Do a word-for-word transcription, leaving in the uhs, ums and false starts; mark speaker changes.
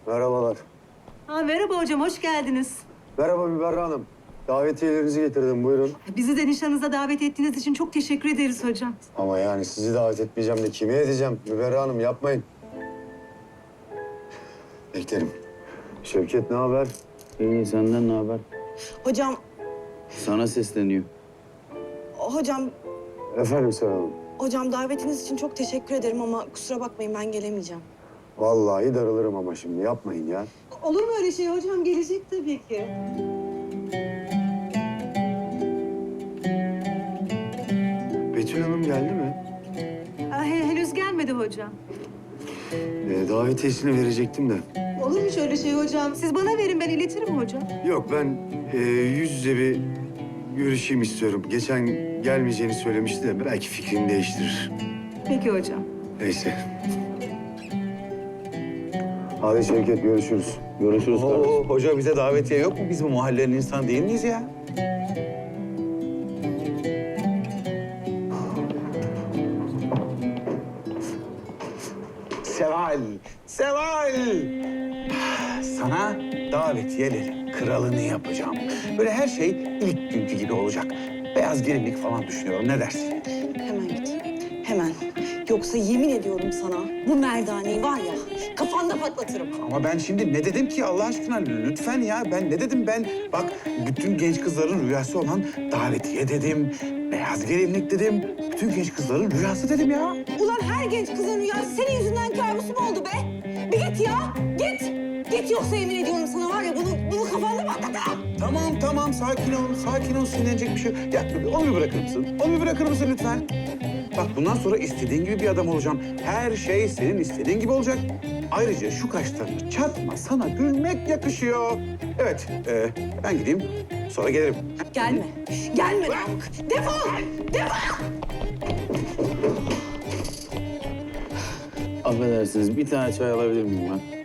Speaker 1: Merhabalar.
Speaker 2: Ha, merhaba hocam, hoş geldiniz.
Speaker 1: Merhaba Müberra Hanım. Davetiyelerinizi getirdim, buyurun.
Speaker 2: Bizi de nişanınıza davet ettiğiniz için çok teşekkür ederiz hocam.
Speaker 1: Ama yani sizi davet etmeyeceğim de kime edeceğim? Müberra Hanım yapmayın. Beklerim. Şevket ne haber?
Speaker 3: İyi, senden ne haber?
Speaker 4: Hocam,
Speaker 3: Sana sesleniyor.
Speaker 4: hocam,
Speaker 1: Efendim Seval Hanım.
Speaker 4: hocam davetiniz için çok teşekkür ederim ama kusura bakmayın ben gelemeyeceğim.
Speaker 1: Vallahi darılırım ama şimdi yapmayın ya.
Speaker 2: Olur mu öyle şey hocam? Gelecek tabii ki.
Speaker 1: Betül Hanım geldi mi?
Speaker 2: Ha, he- henüz gelmedi hocam.
Speaker 1: Ee, davetiyesini verecektim de.
Speaker 2: Olur mu şöyle şey hocam? Siz bana verin, ben iletirim hocam.
Speaker 1: Yok ben e, yüz yüze bir görüşeyim istiyorum. Geçen gelmeyeceğini söylemişti de belki fikrini değiştirir.
Speaker 2: Peki hocam.
Speaker 1: Neyse. Hadi Şevket görüşürüz.
Speaker 3: Görüşürüz kardeşim.
Speaker 5: Oo, hoca bize davetiye yok mu? Biz bu mahallenin insan değil miyiz ya? Seval, Seval! Sana davetiyelerin kralını yapacağım. Böyle her şey ilk günkü gibi olacak. Beyaz gelinlik falan düşünüyorum. Ne dersin?
Speaker 4: Hemen git, hemen. Yoksa yemin ediyorum sana bu merdaneyi var ya kafanda patlatırım.
Speaker 5: Ama ben şimdi ne dedim ki Allah aşkına lütfen ya ben ne dedim ben bak bütün genç kızların rüyası olan davetiye dedim, beyaz gelinlik dedim, bütün genç kızların rüyası dedim ya.
Speaker 4: Ulan her genç kızın rüyası senin yüzünden kabus mu oldu be? Bir git ya, git. Git yoksa yemin ediyorum sana var ya bunu, bunu kafanda patlatırım.
Speaker 5: Tamam tamam sakin ol, sakin ol sinirlenecek bir şey yok. Ya onu bir bırakır mısın? Onu bir bırakır mısın lütfen? Bak bundan sonra istediğin gibi bir adam olacağım. Her şey senin istediğin gibi olacak. Ayrıca şu kaşlarını çatma, sana gülmek yakışıyor. Evet, e, ben gideyim, sonra gelirim.
Speaker 4: Gelme, gelme Namık. Defol, defol.
Speaker 3: Affedersiniz, bir tane çay alabilir miyim ben?